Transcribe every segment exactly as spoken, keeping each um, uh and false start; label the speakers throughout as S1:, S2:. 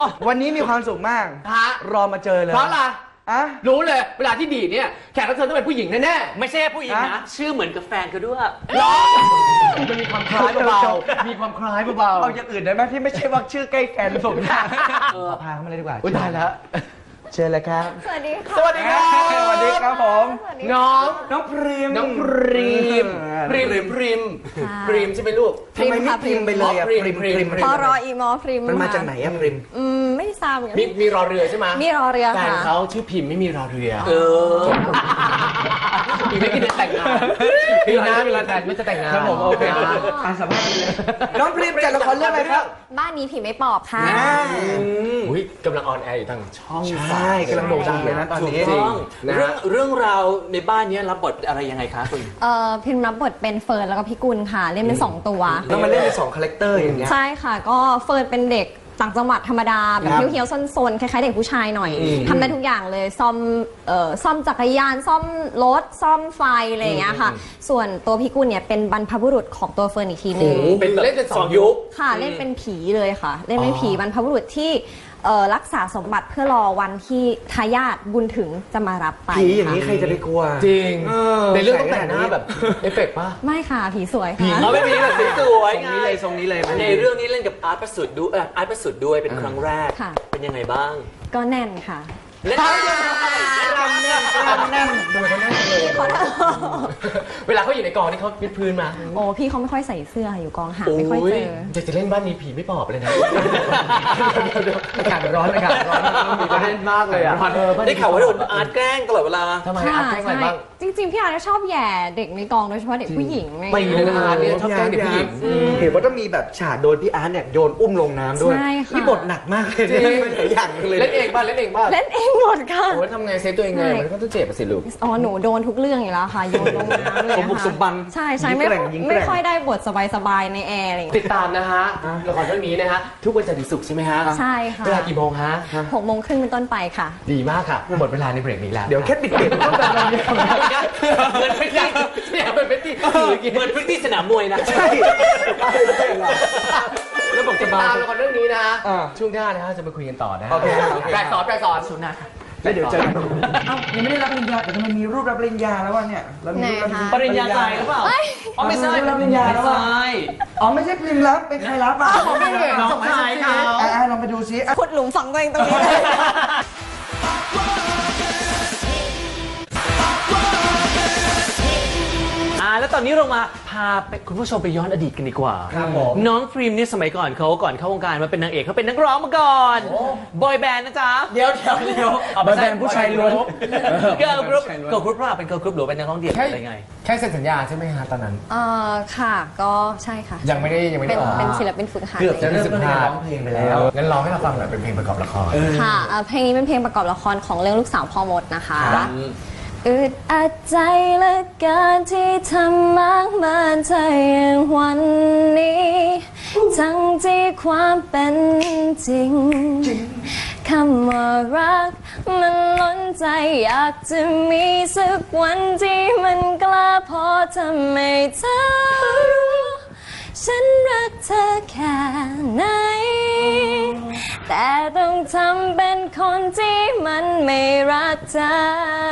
S1: วันนี้มีความสุขมากฮะรอมาเจอเลย
S2: เพราะอะไร
S1: อะ
S2: รู้เลยเวลาที่ดีเนี่ยแขกรับเชิญต้องเป็นผู้หญิงแน่
S3: ๆไม่ใช่ผู้หญิงนะชื่อเหมือนกับแฟนเขาด้วย
S2: หรอมันมีความคล้ายเบาๆมีความคล้ายเบาๆ
S1: เอาอย่างอื่นได้ไหมที่ไม่ใช่ว่าชื่อใกล้แฟนผมนะพาเข้ามาเลยดีกว่า
S2: อุ้ยตายแล้ว
S1: เชิญเลยครับ
S4: สวัสดีค่ะ
S2: สวัสดีครับ
S1: สวัสดีครับผม
S2: น้อง
S1: น้องพริม
S2: น้องพริมพริมพริมพริมใช่ไหมลูก
S1: ทำไมไม่พริมไปเลยอะพริมพริม
S4: พอรออีมอพริม
S1: มันมาจากไหนอะพริม
S4: อืมไม่ทราบเหมือนกัน
S2: มีมีรอเรือใช่ไหม
S4: มีรอเรือค่ะ
S2: แฟนเขาชื่อพิมไม่มีรอเรือ
S3: เออ
S2: อีไม่คิดจะแต่งงานพี่นะมีแฟนไม่จะแต่งงาน
S1: ครับผมโอเคอ่านสัมภาษณ์เลยน้องพริมจากละครเรื่องอะไรครับ
S4: บ้านนี้ผีไม่ปอบค่ะ
S2: อุ้ยกำลังออนแอร์อยู่ทางช่อง
S1: ใช่กำลังโด่งดังเลยนะตอนนี้
S3: จริงเรื่องเรื่องราวในบ้านนี้รับบทอะไรยังไงคะคุณ
S4: เอ่อพิมรับบทเป็นเฟิร์นแล้วก็พี่กุลค่ะเล่นเป็นสองตัว
S1: แล้วมาเล่นเป็นสองคาแรคเตอร์อย่างเงี้ย
S4: ใช่ค่ะก็เฟิร์นเป็นเด็กต่างจังหวัดธรรมดาแบบเฮี้ยวๆซนๆคล้ายๆเด็กผู้ชายหน่อยทำได้ทุกอย่างเลยซ่อมเอ่อซ่อมจักรยานซ่อมรถซ่อมไฟอะไรอย่างเงี้ยค่ะส่วนตัวพี่กุลเนี่ยเป็นบรรพบุรุษของตัวเฟิร์นอีกทีนึง
S2: เป็นเล่นเป็นสองยุค
S4: ค่ะเล่นเป็นผีเลยค่ะเล่นเป็นผีบรรพบุรุษที่รักษาสมบัติเพื่อรอวันที่ทายาทบุญถึงจะมารับไป
S1: ผีอย่างนี้ใครจะไปกลัว
S2: จริงในเรื่องต้องแต่งหน้าแบบเอฟเฟกต์ป่ะ
S4: ไม่ค่ะผีสวยค่ะ
S3: เขาไม่มีแบบสวย
S1: ไงเลยทรงนี้เลย
S3: ในเรื่องนี้เล่นกับอาร์ตประสุทธิ์ด้วยอาร์ตประสุทธิ์ด้วยเป็นครั้งแรกเป็นยังไงบ้าง
S4: ก็แน่นค่ะ
S3: เล่น
S1: รำแน่นรำแน่น
S2: ดูเขาแน่นเลยเวลาเขาอยู่ในกองนี่เขาพิดพื้นมา
S4: โอ้พี่เขาไม่ค่อยใส่เสื้ออยู่กองหาไม่ค่อยเจอ
S2: จะจะเล่นบ้านนี้ผีไม่ปอบเลยนะอากาศร้อนอากาศร้อนมีประเด็นมากเลยอ่ะ
S3: ได้ข่าวว่าโดนอาร์ตแกล้งตลอดเวลา
S2: ทำไมอาร์ตแกล้งอะไรบ้าง
S4: จริงๆพี่อาร์ตชอบแย่เด็กในกองโดยเฉพาะเด็กผู้หญิง
S2: ไปเลยนะอาร์ตเนี่ยชอบแกล้งเด็กผู้หญิง
S1: เห็นว่าต้องมีแบบฉากโดนพี่อาร์ตเนี่ยโยนอุ้มลงน้ำด้วยนี่บทหนักมากเลยเป็นหลายอย่างเลย
S2: เล่นเองบ้างเล่นเองบ้าง
S4: เล่นเองหมดค่ะ
S2: โอ้ทำไงเซฟตัวเองไงมันก็ต้องเจ็บสิลูก
S4: อ๋อหนูโดนทุกเรื่องอยู่แล้วค่ะโยนลงน้ำเลย
S1: สมบุกสมบัน
S4: ใช่ใช่ไม่ไม่ค่อยได้บทสบายๆในแอร์อะไร
S2: ติดตามนะฮะละครเรื่องนี้นะฮะทุกวันจันทร์ถึงศุกร์ใช่ไหมฮะ
S4: ใช่ค่ะ
S2: เวลากี่โมงฮะ
S4: หกโมงครึ่งเป็นต้นไปค่ะ
S2: ดีมากค่ะหมดเวลาในเบรกนี้แล้ว
S1: เดี๋ยวแค่ปิดเบรกต้องแบบนี้
S3: เหมือนพิธี
S2: เนี่ยเป็นพิธี
S3: เหมือนพิธีสนามมวยนะ
S1: ใช่
S2: แล้วบอกจะมาละครเรื่องนี้นะช่วงหน้านะฮะจะมาคุยกันต่อนะ
S1: โอเค
S2: แปลกสอนแปลกสอนสุนัข
S1: แล้วเดี๋ยวเจอกันเอ้ายังไม่ได้รับปริญญาแต่ทำไมมีรูปรับปริญญาแล้ววะเนี่ยเรามีรูปรับ
S3: ปริญญาใจหรือเปล่า
S1: อ๋อไม่ใช่รับปริญญาแล้ววะอ๋อไม่ใช่พิมพ์รับเป็นใครรับอ่ะ
S2: ไม่เห็นน้องชายเขา
S1: ลองไปดูซิ
S4: ขุดหลุมฝังตัวเองตรงนี้
S3: อ่าแล้วตอนนี้เรามาพาไปคุณผู้ชมไปย้อนอดีตกันดีกว่า
S1: ครับผม
S3: น้องพรีมนี่สมัยก่อนเขาก่อนเข้าวงการมาเป็นนางเอกเขาเป็นนักร้องมาก่อนบอยแบนด์นะจ๊ะ
S2: เดี๋ยวเดี๋ยวเดี๋ยว
S1: บอยแบนด์ผู้ชายล้วน
S3: เกิร์ลกรุ๊ปเกิร์ลกรุ๊ปว่าเป็นเกิร์ลกรุ๊ปหรือเป็นนักร้องเดี่ยวอะไรไง
S2: แค่เซ็นสัญญาใช่ไหมฮะตอนนั้น
S4: เอ่อค่ะก็ใช่ค่ะ
S2: ยังไม่ได้ยังไม่ได้
S4: เป็นศิลปินฝึกหัด
S2: เกือบจะเริ่มร้องเพลงไปแล้วงั้นร้องให้เราฟังหน่อยเป็นเพลงประกอบละคร
S4: ค่ะเพลงนี้เป็นเพลงประกอบละครของเรื่องลูกสาวพ่อมดนะคะอึดอัดใจเหลือเกินที่ทำมากมายเธออย่างวันนี้ทั้งที่ความเป็นจริงคำว่ารักมันล้นใจอยากจะมีสักวันที่มันกล้าพอทำให้เธอรู้ฉันรักเธอแค่ไหนแต่ต้องทำเป็นคนที่มันไม่รักเธอ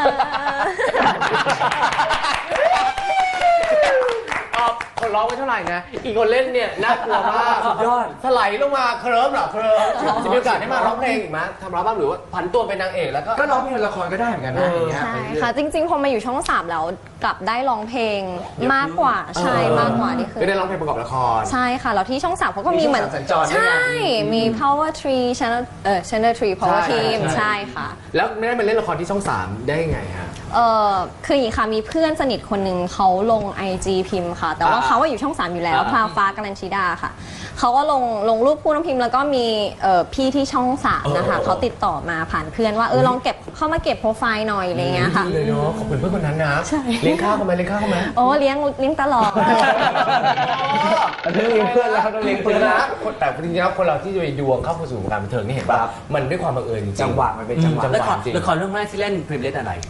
S2: คนร้องไม่เท่าไหร่นะอีกคนเล่นเนี่ยน่ากลัวมากสุดยอดถลายลงมาเคลิ้มเหรอเคลิ้มจะมีโอกาสได้มาร้องเพลงอีกไหมทำร้องบ้างหรือว่าผันตัวเป็นนางเอกแล้วก็
S1: ก็ร้องเพลงละครก็ได้เหมือนกันนะ
S4: ใช่ค่ะจริงๆพอมาอยู่ช่องสามแล้วกลับได้ร้องเพลงมากกว่าใช่มากกว่านี่คือ
S2: ได้ร้องเพลงประกอบละคร
S4: ใช่ค่ะแล้วที่ช่องสามเขาก็มีเหมือนใช่มี Power Tree Channel เอ่อ Channel Tree Power Team ใช่ค่ะ
S2: แล้วไม่ได้มาเล่นละครที่ช่องสามได้ยังไงฮะ
S4: เออคืออย่างนี้ค่ะมีเพื่อนสนิทคนหนึ่งเขาลง ไอ จี พิมพ์ค่ะแต่ว่าเขาว่าอยู่ช่องสามอยู่แล้วพราวฟ้ากัลลัญชิดาค่ะเขาก็ลงลงรูปคู่น้องพิมพ์แล้วก็มีพี่ที่ช่องสามนะคะเขาติดต่อมาผ่านเพื่อนว่าเออลองเก็บเข้ามาเก็บโปรไฟล์หน่อยอะไรเงี้ยค่ะ
S2: เลยเนาะขอบคุณเพื่อนคนนั้นนะเลี้ยงข้าวเขาไหมเลี้ยงข้าวเขาไหม
S4: โอ้เลี้ยงเลี้ยงตลอด
S1: เลี้ยงเพื่อนแล้วเขาต้องเลี้ยงเพื่อนนะ
S2: แต่จริงๆแล้วคนเราที่จะไปดวงเข้าสู่วงการบันเทิงนี่เห็นป่ะมันด้วยความบังเอิญจริง
S1: จังหวะมันเป็นจังหวะ
S3: ละครละครเรื่องแรกที่เล่นพรีมเล่นอะไร
S4: ผู้ดีอี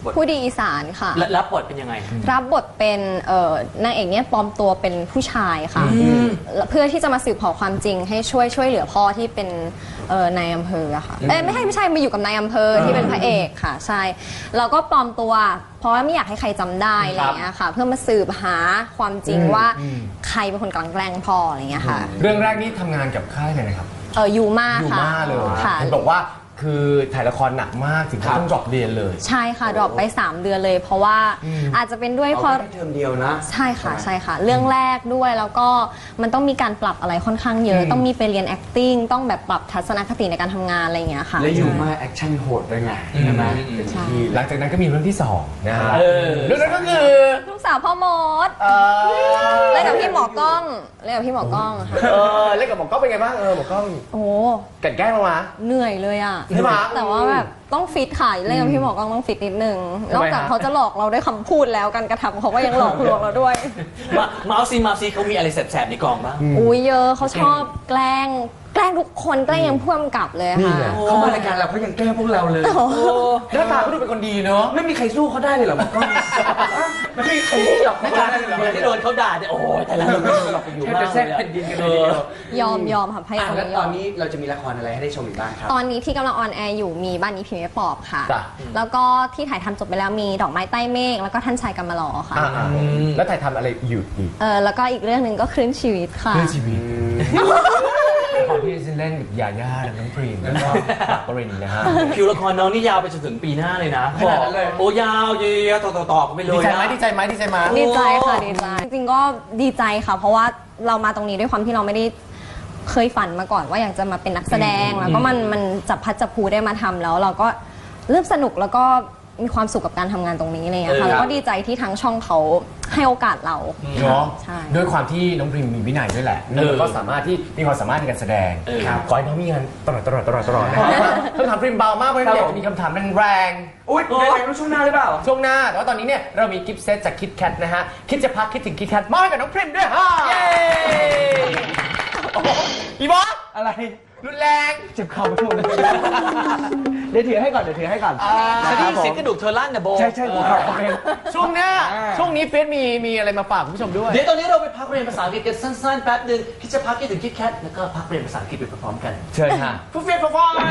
S4: อีสานค่ะ
S3: และรับบทเป็นยังไง
S4: รับบทเป็นเอ่อนางเอกเนี่ยปลอมตัวเป็นผู้ชายค่ะเพื่อที่จะมาสืบเผาความจริงให้ช่วยช่วยเหลือพ่อที่เป็นเอ่อนายอำเภออะค่ะเอ้ยไม่ใช่ไม่ใช่มาอยู่กับนายอำเภอที่เป็นพระเอกค่ะใช่เราก็ปลอมตัวเพราะว่าไม่อยากให้ใครจำได้อะไรอย่างเงี้ยค่ะเพื่อมาสืบหาความจริงว่าใครเป็นคนกลั่นแกล้งพ่ออะไรอย่างเงี้ยค่ะ
S2: เรื่องแรกนี่ทำงานกับค่ายไหนนะครับ
S4: เออยูมา
S2: อยู่
S4: ค่ะ
S2: มาเลย
S4: ค่ะ
S2: เห็นบอกว่าคือถ่ายละครหนักมากถึงขั้นต้องดรอปเรียนเลย
S4: ใช่ค่ะดรอปไปสามเดือนเลย เพราะว่าอาจจะเป็นด้วยเพราะ
S1: แค่เทอมเดียวนะ
S4: ใช่ค่ะใช่ค่ะ เรื่องแรกด้วยแล้วก็มันต้องมีการปรับอะไรค่อนข้างเยอะ ต้องมีไปเรียน acting ต้องแบบปรับทัศนคติในการทำงานอะไรอย่างเงี้ยค่ะ
S1: และอยู่มาแอคชั่นโหดด้วยไงใช่ไหม
S4: ใช่
S2: หลังจากนั้นก็มีเรื่องที่สองนะฮะ
S3: เออ
S2: เรื่องนั้นก็คือ
S4: ลูกสาวพ่อมด
S2: เออ
S4: เล่นกับพี่หมอกล้องเล่นกับพี่หมอกล้องค่ะ
S2: เออเล่นกับหมอกล้องเป็นไงบ้างเออหมอกล้อง
S4: โอ้
S2: กลั่นแกล้งเรามา
S4: เหนื่อยเลยอ่ะ
S2: ใช่ปะ
S4: แต่ว่าแบบต้องฟิตค่ะเล่นกับพี่หมอกล้องต้องฟิตนิดนึง
S2: ทำไม
S4: นอกจาก
S2: ฮะ
S4: เขาจะหลอกเราด้วยคำพูดแล้วการกระทำเขาก็ยังหลอกลวงเราด้วย
S3: มาเมาส์ซีเมาส์ซีเขามีอะไรแสบๆในกองบ้าง
S4: อุ้ยเยอะเขาชอบแกล้งแกล้งทุกคนแกล้งยังพ่วงกับเลย
S2: นี่
S4: ค่ะ
S2: ไง
S1: เขามารายการเราเขายังแกล้งพวกเราเลย
S2: หน้าตาก็ดูเป็นคนดีเนอะ
S1: ไม่มีใครสู้เขาได้เลยเหรอหมอกล้องไม่มีใครสู้หรอก
S3: เวลาเวลาที่โดนเขาด่าเนี่ยโอ้ยแต่ละเราหลอกไปอยู่
S1: แค่
S3: มาก
S1: จะแทรกแผ่นดินกันเลยทีเดียว
S4: ยอมยอมค่ะพระเอก
S1: อ่ะ
S4: คน
S1: แล้ว
S4: นี้ย
S1: ต
S4: อ
S1: อน
S4: ม
S1: นี้เราจะมีละครอะไรให้ได้ชมอีกบ้างครับ
S4: ตอนนี้ที่กำลังออนแอร์อยู่มีบ้านนี้ผีไม่ปอบค่ะ
S2: จ้ะ
S4: แล้วก็ที่ถ่ายทำจบไปแล้วมีดอกไม้ใต้เมฆแล้วก็ท่านชายกำมะลอค่ะ
S2: อ่าๆแล้วถ่ายทำอะไรอยู่อีก
S4: เออแล้วก็อีกเรื่องหนึ่งก็คลื่นชีวิตค่ะ
S2: เรื่องชีวิตละครที่ซินเล่นกับยาย่าและน้องพรีมแล้วก็ปากปรินนะฮะ
S3: คิวละครน้องนี่ยาวไปจนถึงปีหน้าเลยนะ
S2: ขนาดนั้นเลย
S3: โอ้ยาวเยอะๆต่อๆต่อๆไปเล
S2: ดี
S3: ย
S2: ใจ
S3: นะ
S2: ไหมดีใจไหมดีใจไหม
S4: ดีใจค่ะดีใจจริงๆก็ดีใจค่ะ เพราะว่าเรามาตรงนี้ด้วยความที่เราไม่ได้เคยฝันมาก่อนว่าอยากจะมาเป็นนักแสดงแล้วก็มันมันจับพัดจับผูได้มาทำแล้ว เราก็เริ่มสนุกแล้วก็มีความสุขกับการทำงานตรงนี้อะไรเลย
S3: เออ
S4: ค่ะแล้วก็ดีใจที่ทางช่องเขาให้โอกาสเรา
S2: เนาะ
S4: ใช่
S2: ด้วยความที่น้องพรีมมีวินัยด้วยแหละแล้วก็สามารถที่มีความสามารถในการแสดง
S3: เออ
S2: ครับขอให้น้องมีงานตลอดตลอดตลอดตลอดนะครับคำถามพรีมเบามากเพราะฉะนั้นอยากจะมีคำถามแรง
S1: อุ้ยในไหนรู้ช่วงหน้าหรือเปล่า
S2: ๆช่วงหน้าแต่ว่าตอนนี้เนี่ยเรามีกิฟต์เซตจากคิดแคทนะฮะคิดจะพักคิดถึงคิดแคทมอบให้กับน้องพรีมด้วยฮะเย้โอ้โหอีบอส
S1: อะไร
S2: รุนแรง
S1: เจ็บเข่าไปหมดเลยเดี๋ยวถือให้ก่อนเดี๋ยวถือให้ก่อน
S3: จะได้ยินเสียงกระดูกเธอลั่นนะโบ
S1: ใช่ใช่หัวเข่าเป็น
S2: ช่วงหน้า
S1: อ่า
S2: ช่วงนี้เฟซมีมีอะไรมาฝากคุณผู้ชมด้วย
S3: เดี๋ยวตอนนี้เราไปพักเรียนภาษาอังกฤษกันสั้นๆแป๊บหนึ่งคิดจะพักคิดถึงคิดแคทแล้วก็พักเรียนภาษาอังกฤษไปพร้อมๆกัน
S2: เชิญค่ะ
S3: ฟูเฟียฟอย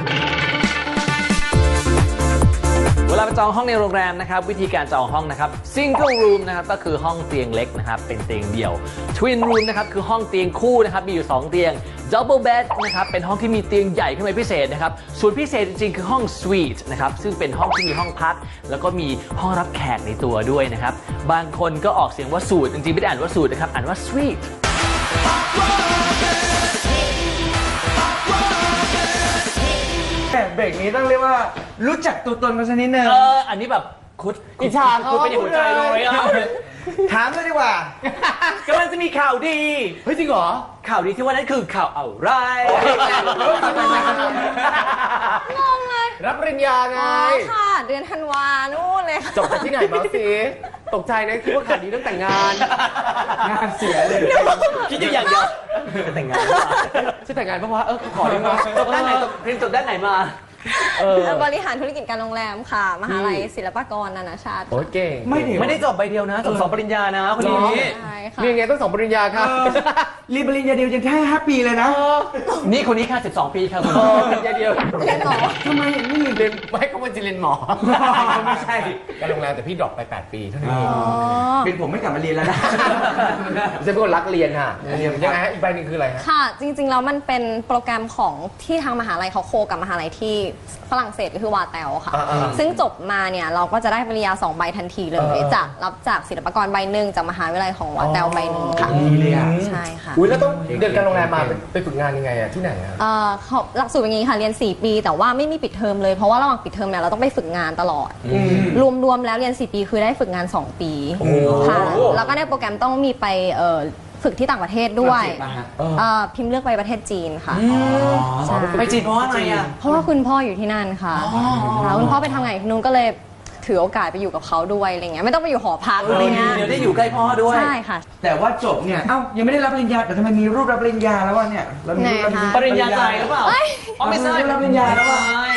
S3: เวลาไปจองห้องในโรงแรมนะครับ วิธีการจองห้องนะครับ single room นะครับก็คือห้องเตียงเล็กนะครับเป็นเตียงเดี่ยว twin room นะครับคือห้องเตียงคู่นะครับมีอยู่สองเตียง double bed นะครับเป็นห้องที่มีเตียงใหญ่ขึ้นไปพิเศษนะครับส่วนพิเศษจริงๆคือห้อง suite นะครับซึ่งเป็นห้องที่มีห้องพัก แล้วก็มีห้องรับแขกในตัวด้วยนะครับบางคนก็ออกเสียงว่าสูทจริงๆไม่ได้อ่านว่าสูทนะครับอ่านว่า suite
S1: แต่เบรกนี้ต้องเรียกว่ารู้จักตัวตนกันสักนิดนึง
S3: เอออันนี้แบบคุด
S2: อิจฉาเขา
S3: คุดเป็นหัวใจเลยอ่ะ
S1: ถามเลยดีกว่า
S3: กำลังจะมีข่าวดี
S2: เฮ้ยจริงเหรอ
S3: ข่าวดีที่ว่านั้นคือข่าวอะไร
S4: งงเลย
S2: รับปริญญาไง
S4: อ๋อค่ะ เดือนธันวานู่นเลยค่ะ
S2: จบจากที่ไหนมาสิตกใจนะคิดว่าข่าวดีเรื่องแต่งงาน
S1: งานเสียเลย
S3: คิดอยู่อย่างเดียวจะแต่งงานหรือเปล่า
S2: ชื่อแต่งงานเพราะว่าเออขอได้ไหม
S3: จบด้านไหนจบเรียนจบด้านไหนมา
S2: เออ
S4: บริหารธุรกิจการโรงแรมค่ะ มหาลัยศิลปากรนานาชาติ
S2: โอ้ยเก่ง
S1: ไม่ถึง
S3: ไม่ได้จบใบเดียวนะจบสองปริญญานะคนนี้
S4: ใช่ค่ะ
S2: มีไงต้องสองปริญญาค่ะ
S1: รีบปริญญาเดียวยังแค่ห้าปีเลยนะ
S3: นี่คนนี้แค่สิบสองปีครับคุณ
S2: เออปริญญาเดียว
S4: เรียนหมอ
S1: ทำไมไม่มี
S2: เรียนไม่ก็มันจะเรียนหมอ
S1: ไม่ใช่
S2: การโรงแรมแต่พี่ดรอปไปแปดปีเท่านั้นเอง
S4: อ๋อ
S1: เป็นผมไม่กลับมาเรียนแล้วนะ
S2: จะเป็นคนรักเรียนค่ะเรียนยังไงฮะอีกใบหนึ่งคืออะไรฮะ
S4: ค่ะ จริงๆแล้วมันเป็นโปรแกรมของที่ทางมหาลัยเขาโคกับมหาลัยที่ฝรั่งเศสก็คือวาเตลค่ะ
S2: อ่าๆ
S4: ซึ่งจบมาเนี่ยเราก็จะได้ปริญญาสองใบทันทีเลย
S2: อ่าๆ
S4: จากรับจากศิลปากรใบหนึ่งจากมหาวิทยาลัยของวาเตลใบหนึ่งค่ะ
S1: ดีเลยอ่ะ
S4: ใช่ค่ะ
S2: อุ้ยแล้วต้องเดินการโรงแรมมาไปไปฝึกงานยังไงอะที่ไหนอะ
S4: เอ่อเขาหลักสูตรเป็นอย่างนี้ค่ะเรียน สี่ ปี แต่ว่าไม่มีปิดเทอมเลยเพราะว่าระหว่างปิดเทอมเนี่ยเราต้องไปฝึกงานตลอด รวมๆแล้วเรียน สี่ ปีคือได้ฝึกงาน สอง ปีค่ะแล้วก็ในโปรแกรมต้องมีไปเอ่อฝึกที่ต่างประเทศด้วย
S1: ฝรั่งเศสป่ะฮะ
S4: เอ่อพิมพ์เลือกไปประเทศจีนค่ะใช่
S3: ไปจีนเพราะอะไรอ่ะ
S4: เพราะว่าคุณพ่ออยู่ที่นั่นค่ะค่ะคุณพ่อไปทำงานที่นู้นก็เลยถือโอกาสไปอยู่กับเขาด้วยอะไรเงี้ยไม่ต้องไปอยู่หอพักอะไรเงี้ย
S3: เดี๋ยวได้อยู่ใกล้พ่อด้วย
S4: ใช่ค่ะ
S1: แต่ว่าจบเนี่ย เอ้า ยังไม่ได้รับปริญญา แต่ทำไมมีรูปรับปริญญาแล้ววะเนี่ยเรามีรูปรับ
S4: ไหนคะ
S3: ปริญญาใจหรือเปล่า
S4: เอ้ย
S3: อ๋อไม่ใช่
S1: รับปริญญาแล้วว่ะ
S3: ไม่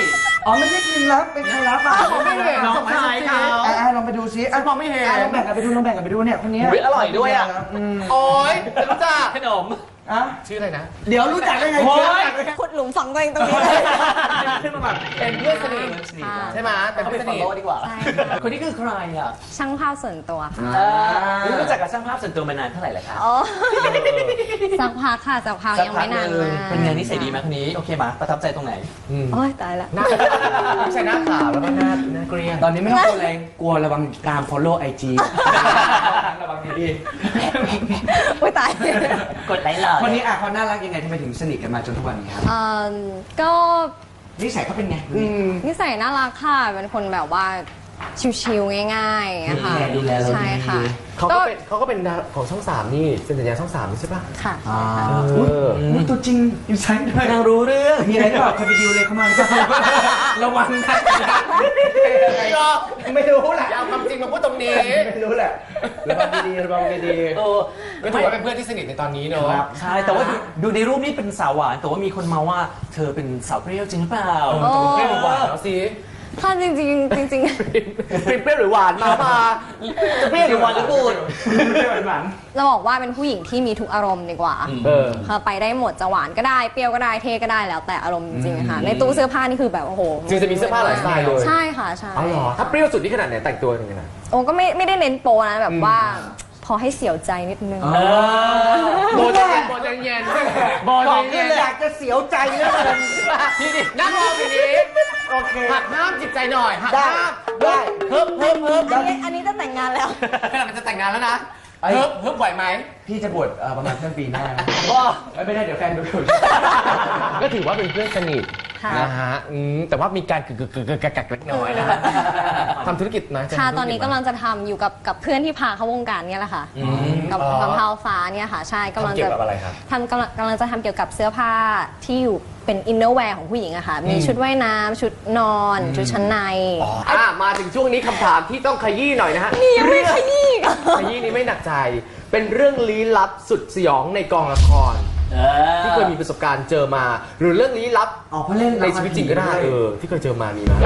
S1: อ๋อไม่ใช่พิมพ์รับเป็นใครรับอ่ะ
S2: ไม่เห็น
S1: น้อง
S2: สงสัยเขา
S1: อ่ะอ่ะลองไปดูซิอ่ะ
S2: มองไม่เห็น
S1: อ่ะลองแบ่งกันไปดูลองแบ่งกันไปดูเนี่ยคนเนี้ย
S3: อุ๊ยอร่อยด้วยอ่ะ
S1: อืม
S2: โอ๊ยรู้จัก
S3: ขนม
S1: อ่ะ
S2: ชื่ออะไรนะ
S1: เดี๋ยวรู้จักได้ไง
S3: โอ้ย
S1: เดี๋ยวรู้จักได้ไง
S4: ขุดหลุมฝังตัวเองตรงนี้เลย
S1: ขึ้นมาแบบ
S2: เป็นเพื่อนสนิท
S4: ค่ะ
S2: ใช่ไหมเป็น
S3: เอา
S2: เพื่
S3: ไป
S2: อนส
S3: ฟอล
S2: นิท
S3: โล่ดีกว่า
S4: ใช่ค่ะ
S3: คนนี้คือใครอ่ะ
S4: ช่างภาพส่วนตัวค่ะ
S3: เออรู้จักกับช่างภาพส่วนตัวมานานเท่าไหร่แล้วครับ
S4: อ๋อสักพักค่ะสักพักยังไม่นานมาก
S3: เป็นไงนิสัยดีไหมคนนี้โอเคไหมประทับใจตรงไหน
S4: โอ้ยตายละ
S2: หน้าไม่ใช่หน้าขาวแล้วก็หน้าหน้าเกรียน
S1: ตอนนี้ไม่ต้องกลัวอะไรกลัวระวังตาม follow ไอ จี ระวังดี
S4: โอ้ยตาย
S3: กดไลค์เลย
S1: ๆคนนี้อ่ะเขาน่ารักยังไงทำไมถึงสนิทกันมาจนทุกวันนี้ครับ
S4: เอ่อก็
S1: นิสัยเขาเป็นไง
S2: อืม
S4: นิสัยน่ารักค่ะ เป็นคนแบบว่าชิวๆง่ายๆอะค่ะ
S1: ดูแลเราดี
S4: ใช่ค่ะ
S2: เขาก็เป็นเขาก็เป็นของช่องสามนี่เซ็นสัญญาช่องสามนี่ใช่ปะ
S4: ค่ะ
S1: อ่า
S2: เออ
S1: อุ๊ยตัวจริงอยู่ไซด์ด้วย
S3: นางรู้เรื่อง
S1: มีอะไรหรือเปล่าเคยไปดิวเลยเข้ามาหรือเปล่าระวังนะ
S2: ไม่หรอก
S1: ไม่รู้แหละ
S2: อย่าเอาความจริงมาพูดตรงนี้
S1: ไม่รู้แหละระวังดีๆระวังดี
S3: เออ
S2: ก็ถือว่าเป็นเพื่อนที่สนิทในตอนนี้เนอะ
S1: ครับ
S3: ใช่ แต่ว่าดูดูในรูปนี้เป็นสาวหวาน แต่ว่ามีคนมาว่าเธอเป็นสาวเปรี้ยวจริงหรือเปล่า
S2: เออจะเป็นเปรี้ยวหรือหวานแล้วสิ
S4: ค่ะจริงๆจริง
S2: เป็นเปรี้ยวหรือหวานมามา
S3: จะเปรี้ยวหรือหวานหรือบูด
S1: ไม่หวาน
S4: ๆ เราบอกว่าเป็นผู้หญิงที่มีทุกอารมณ์ดีกว่า
S2: เออ
S4: ค่ะไปได้หมดจะหวานก็ได้เปรี้ยวก็ได้เท่ก็ได้แล้วแต่อารมณ์จริงๆค่ะ ในตู้เสื้อผ้านี่คือแบบโอ้โห
S2: จริงจะมีเสื้อผ้าหลายสไตล์เลย
S4: ใช่ค่ะใช่
S2: อ๋อเหรอถ้าเปรี้ยวสุดนี่ขนาดไหนแต่งตัวยังไงนะ
S4: โอ้ก็ไม่ไม่ได้เน้นโปนะแบบว่า พอให้เสียวใจนิดนึง
S3: เออ
S2: โบใจเย็นโบใจเย็นโบใจเย็น
S1: อยากจะเสียวใจเหลือเกิน
S2: นี่ดินั่งรอทีนี้
S1: โอเค
S2: หักห้ามจิตใจหน่อยหัก
S1: ได้
S2: ห้าม
S1: ได้
S2: เฮิบเฮิบเฮิบ
S4: อันนี้อันนี้จะแต่งงานแล้ว
S2: ขนาดมันจะแต่งงานแล้วนะ
S1: ไอ้
S2: เฮิบเฮิบไหวไหม
S1: พี่จะบวชเอ่อประมาณต้นปีหน้า
S2: ก็
S1: ไม่ได้เดี๋ยวแฟนดูถูก
S2: ก็ถือว่าเป็นเพื่อนสนิท
S4: ค่ะ
S2: นะฮะอืมแต่ว่ามีการกึกกึกกึกกึกกักกักเล็กน้อยนะฮะทำธุรกิจนะ
S4: ค่ะตอนนี้กำลังจะทำอยู่กับกับเพื่อนที่พาเข้าวงการเนี่ยแหละค่ะ กับ
S2: อ๋อ
S4: กับพาวฟ้าเนี่ยค่ะ ใช่กำลัง
S2: ทำเกี่
S4: จะ
S2: ยวกับอะไรครับ
S4: ทำกำลังกำลังจะทำเกี่ยวกับเสื้อผ้าที่อยู่เป็นอินเนอร์แวร์ของผู้หญิงอะค่ะ มีชุดว่ายน้ำชุดนอน ชุดชั้นใน
S2: อ่ะมาถึงช่วงนี้คำถามที่ต้องขยี้หน่อยนะฮะ
S4: นี่ยังไม่ขยี้อีกเหรอ
S2: ขยี้นี้ไม่หนักใจ เป็นเรื่องลี้ลับสุดสยองในกองละคร
S3: เออ
S2: ที่เคยมีประสบการณ์เจอมา หรือเรื่องลี้ลับ
S1: อ๋อเพราะเล่น
S2: ในชีวิตจริงก็ได้เออที่เคยเจอมามีไหม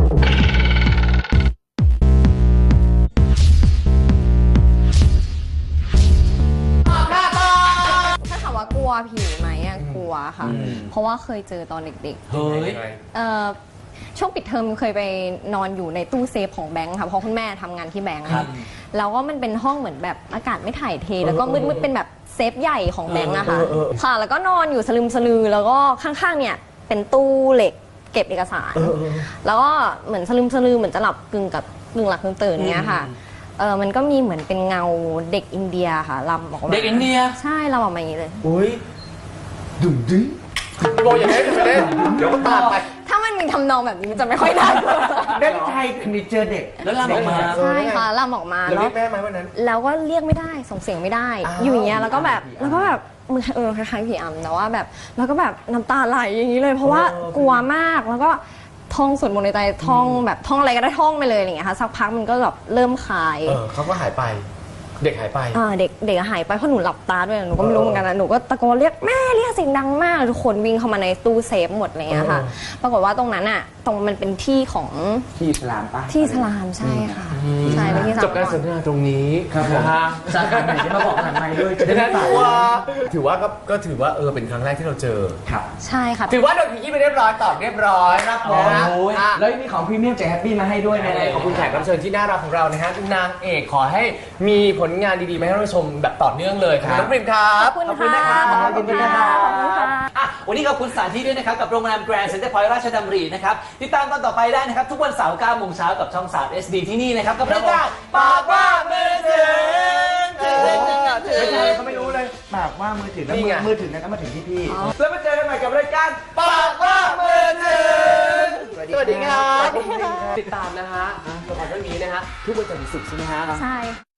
S4: ถ้าถามว่ากลัวผีไหมอะกลัวค่ะ เพราะว่าเคยเจอตอนเด็ก
S3: เฮ้ย
S4: ๆเอ่อช่วงปิดเทอมเคยไปนอนอยู่ในตู้เซฟของแบงค์ค่ะเพราะคุณแม่ทำงานที่แบงค์
S3: ครับ
S4: แล้วก็มันเป็นห้องเหมือนแบบอากาศไม่ถ่ายเท แล้วก็มืดๆเป็นแบบเซฟใหญ่ของแบงค์อะค่ะค่ะ แล้วก็นอนอยู่สลึมสลือแล้วก็ข้างๆเนี่ยเป็นตู้เหล็กเก็บเอกสาร แล้วก็เหมือนสลึมสลือเหมือนจะหลับกึ่งกับกึ่งหลับกึ่งตื่นเนี้ยค่ะเออมันก็มีเหมือนเป็นเงาเด็กอินเดียค่ะลำออกมา
S3: เด็กอินเดีย
S4: ใช่ลำออกมาอย่างนี้เลย
S1: อุ้ยดุ่มดึ้ง
S2: พี่โบอย่าเล่นอย่าเล่นเดี๋ยวก็ตามไป
S4: ถ้ามันมีทำนองแบบนี้มันจะไม่ค่อยน่ากลัว
S1: เด็กไทยคือมีเจอเด็ก
S3: แล้วลำออกมา
S2: เออ
S4: ใช่ค่ะลำออกมา
S2: แล้ว
S4: แล้
S2: เรี
S4: วย
S2: กแม่ไหมวันนั้น
S4: แล้วก็เรียกไม่ได้ส่งเสียงไม่ได้
S2: อ้าว
S4: อยู่อย่างเงี้ยแล้วก็แบบแล้วก็แบบมือเออคล้ายๆผีอำแต่ว่าแบบแล้วก็แบบน้ำตาไหลอย่างนี้เลย เพราะว่ากลัวมากแล้วก็ท่องสวดมนต์ในใจท่องแบบท่องอะไรก็ได้ท่องไปเลยอย่างเงี้ยค่ะสักพักมันก็แบบเริ่มคลาย
S2: เออเขาก็หายไป เด็กหายไป
S4: อ่าเด็กเด็กหายไปเพราะหนูหลับตาด้วยหนูก็ไม่รู้เหมือนกันนะหนูก็ตะโกนเรียกแม่เรียกเสียงดังมากทุกคนวิ่งเข้ามาในตู้เซฟหมดอะไรเงี้ยค่ะ
S2: เออ
S4: ปรากฏว่าตรงนั้นอ่ะตรงมันเป็นที่ของ
S1: ที่อิสลามปะ
S4: ที่อิสลามใช่ค่ะใช่เป็นที่อิสลาม
S2: จบการสนทนาตรงนี้
S1: ครับผม
S2: นะฮะ
S1: สาขาไหนที่มาบอกผ่านไมค์ด้วยจะ
S2: ดัง
S1: ได้
S2: นั้น
S1: ฝาก
S2: ถือว่าถือว่าก็ก็ถือว่าเออเป็นครั้งแรกที่เราเจอ
S1: ครับ
S4: ใช่ค่ะ
S2: ถือว่าโดนขยี้ไปเรียบร้อยตอบเรียบร้อยครับ
S1: โอ้ย
S2: อ่ะ
S1: แล้วมีของพรีเมียมจากแฮปปี้มาให้ด้วย
S2: ยังไง
S1: นะ
S2: ขอบคุณแขกรับเชิญที่น่ารักของเรานะฮะนางเอกขอให้มีผลงานดีๆมาให้เราชมแบบต่อเนื่องเลยขอบคุณน้องปริมครับ
S4: ขอบคุณค่ะ
S1: ขอบคุณค่ะ
S4: ขอบคุณค่ะ
S3: อ่ะวันนี้ขอบคุณสถานที่ด้วยนะครับ กับโรงแรมแกรนด์เซ็นเตอร์พอยต์ราชดำรินะครับ ติดตามตอนต่อไปได้นะครับ ทุกวันเสาร์เก้าโมงเช้ากับช่องสาม เอส ดี ที่นี่นะครับ กับรายการปากว่ามือถือ
S1: ไม่ใช่เขาไม่รู้เลยปากว่ามือถือแล้ว
S2: นี่
S1: มื
S2: ไง
S1: อมือถือนั้นก็มาถึงที่พี่ แล้วมาเจอกันใหม่กับรายการ
S2: ปากว่ามือถือสวัสดีครับ
S1: สวัสดีครับ
S2: ติดตามนะฮะละครเรื่องนี้นะฮะทุกวันจันทร์ถึงศุกร์ใช่ไหมฮะ
S4: ใช่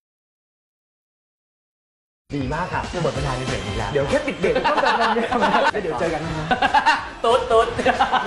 S2: ดีมากค่ะหมดเวลาในเบรกนี้แล้ว
S1: เดี๋ยวแค่ปิดเบรกก็ต้องแบบนั้นเนี่ยแล้วเดี๋ยวเจอกันนะ
S3: ตุ๊ดตุ๊ด